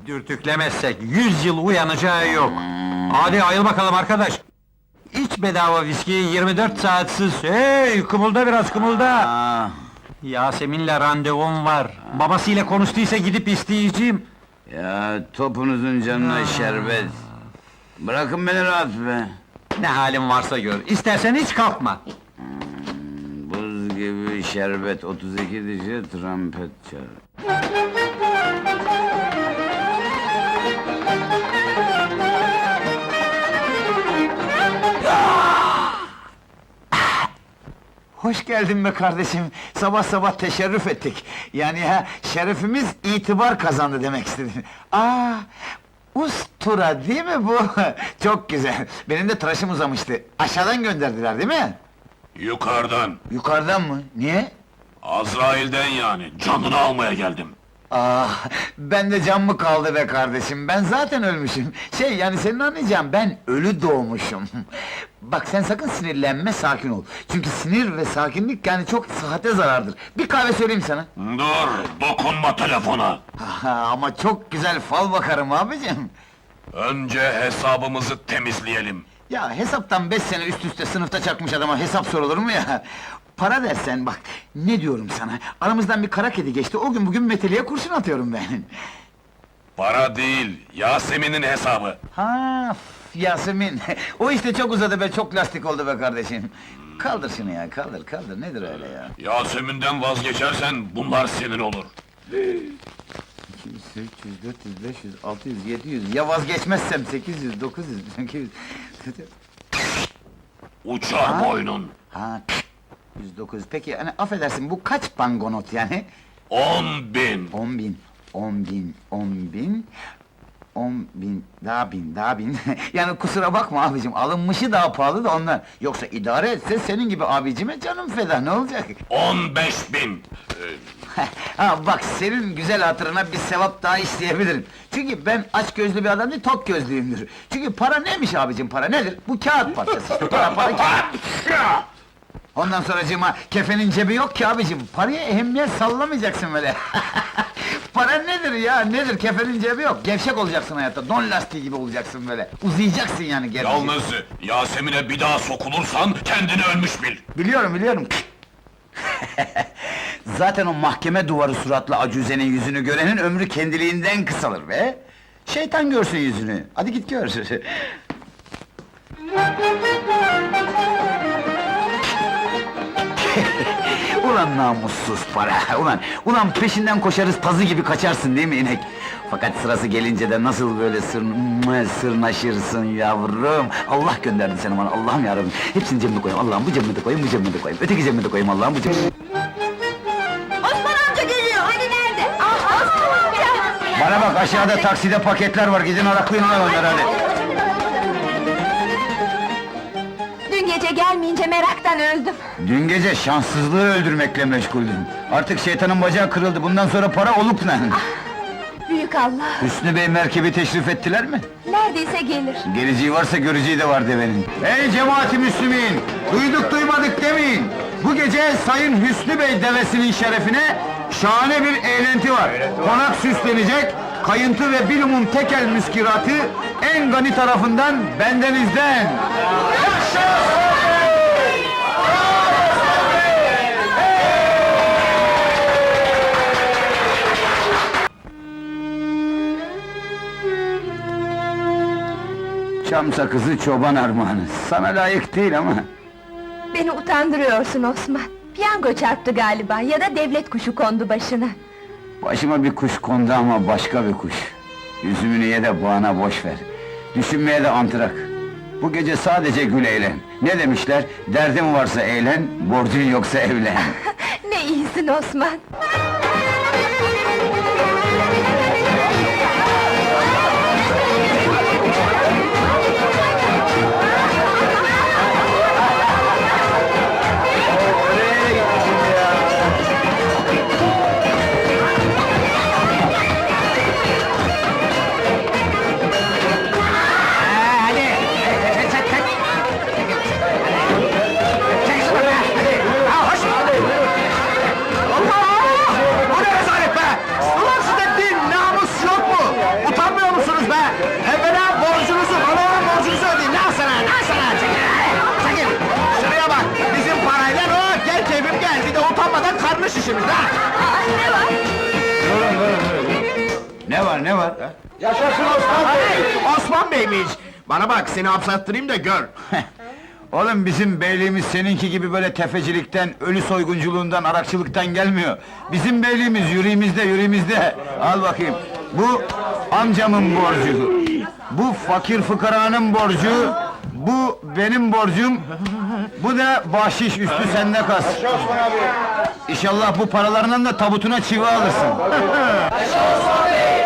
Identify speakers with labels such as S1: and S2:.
S1: Dürtüklemezsek 100 yıl uyanacağı yok. Hadi ayıl bakalım arkadaş! İç bedava viskiyi 24 saatsiz. Hey, kımılda biraz, kımılda!
S2: Ah,
S1: Yasemin'le randevum var. Babasıyla konuştuysa gidip isteyeceğim.
S2: ya topunuzun canına şerbet. Bırakın beni rahat be.
S1: Ne halin varsa gör, istersen hiç kalkma.
S2: Buz gibi şerbet 32 dişi trompet çal.
S3: Hoş geldin be kardeşim. Sabah sabah teşerrüf ettik. Yani şerefimiz itibar kazandı demek istedim. Ustura değil mi bu? Çok güzel. Benim de tıraşım uzamıştı. Aşağıdan gönderdiler değil mi?
S4: Yukarıdan,
S3: Yukarıdan mı? Niye?
S4: Azrail'den yani, canını almaya geldim.
S3: Ben de can mı kaldı be kardeşim? Ben zaten ölmüşüm. Yani senin anlayacağın, ben ölü doğmuşum. Bak sen sakın sinirlenme, sakin ol. Çünkü sinir ve sakinlik yani çok sıhhate zarardır. Bir kahve söyleyeyim sana.
S4: Dur, dokunma telefona!
S3: Ama çok güzel fal bakarım abicim.
S4: Önce hesabımızı temizleyelim.
S3: Ya hesaptan 5 sene üst üste sınıfta çakmış adama hesap sorulur mu ya? Para dersen bak, ne diyorum sana? Aramızdan bir kara kedi geçti, o gün bugün meteliğe kurşun atıyorum ben.
S4: Para değil, Yasemin'in hesabı.
S3: Yasemin, o işte çok uzadı be, çok lastik oldu be kardeşim. Kaldır şunu ya, kaldır, nedir öyle ya?
S4: Yasemin'den vazgeçersen bunlar senin olur.
S3: 200, 300, 400, 500, 600, 700, ya vazgeçmezsem 800, 900, 800...
S4: Uçar boynun.
S3: 109, peki hani affedersin, bu kaç pangonot yani?
S4: 10.000.
S3: 10.000, daha bin. Yani kusura bakma abicim, alınmışı daha pahalı da ondan. Yoksa idare etse senin gibi abicime canım feda, ne olacak?
S4: 15.000.
S3: Bak, senin güzel hatırına bir sevap daha isteyebilirim. Çünkü ben aç gözlü bir adam değil, tok gözlüyümdür. Çünkü para neymiş abicim, para nedir? Bu kağıt parçası işte, para kağıt. Ondan sonracığıma, kefenin cebi yok ki abicim, paraya ehemmiyet sallamayacaksın böyle. Para nedir ya, nedir? Kefenin cebi yok, gevşek olacaksın hayatta, don lastiği gibi olacaksın böyle. Uzayacaksın yani gerçi.
S4: Yalnız Yasemin'e bir daha sokulursan kendini ölmüş bil.
S3: Biliyorum. Zaten o mahkeme duvarı suratlı acuzenin yüzünü görenin ömrü kendiliğinden kısalır be! Şeytan görsün yüzünü, hadi git gör! Ulan namussuz para! Ulan peşinden koşarız, pazı gibi kaçarsın değil mi inek? Fakat sırası gelince de nasıl böyle sırnaşırsın yavrum! Allah gönderdi seni bana, Allah'ım yarabbim! Hepsini cebime koyayım, Allah'ım bu cebime de koyayım, bu cebime de koyayım, öteki cebime de koyayım, Allah'ım bu cebime...
S5: Osman amca geliyor, hani nerede? Osman amca!
S3: Bana bak, aşağıda takside paketler var, gidin araklayın onları hadi!
S5: Dün gece gelmeyince meraktan öldüm.
S3: Dün gece şanssızlığı öldürmekle meşguldüm. Artık şeytanın bacağı kırıldı, bundan sonra para olup ne?
S5: Büyük Allah!
S3: Hüsnü Bey merkebi teşrif ettiler mi?
S5: Neredeyse gelir.
S3: Geleceği varsa göreceği de var devenin. Ey cemaat-i Müslümin! Duyduk duymadık demeyin! Bu gece Sayın Hüsnü Bey devesinin şerefine şahane bir eğlenti var. Konak süslenecek, kayıntı ve bilumum tekel müskiratı en gani tarafından bendenizden! Çam sakızı çoban armağanı, sana layık değil ama...
S5: Beni utandırıyorsun Osman. Piyango çarptı galiba, ya da devlet kuşu kondu başına.
S3: Başıma bir kuş kondu ama başka bir kuş. Yüzümünü ye de bağına boş ver. Düşünmeye de antrak. Bu gece sadece gül eğlen. Ne demişler? Derdin varsa eğlen, borcun yoksa evlen.
S5: Ne iyisin Osman!
S6: işimiz ha!
S5: Ne var?
S2: Ne var?
S6: Yaşasın Osman Bey! Osman Bey'miş! Bana bak, seni hapse attırayım da gör!
S2: Oğlum bizim beyliğimiz seninki gibi böyle tefecilikten, ölü soygunculuğundan, arakçılıktan gelmiyor. Bizim beyliğimiz yüreğimizde. Al bakayım. Bu amcamın borcu. Bu fakir fıkaranın borcu. Bu benim borcum. Bu da bahşiş üstü sende kas. İnşallah bu paralarından da tabutuna çivi alırsın.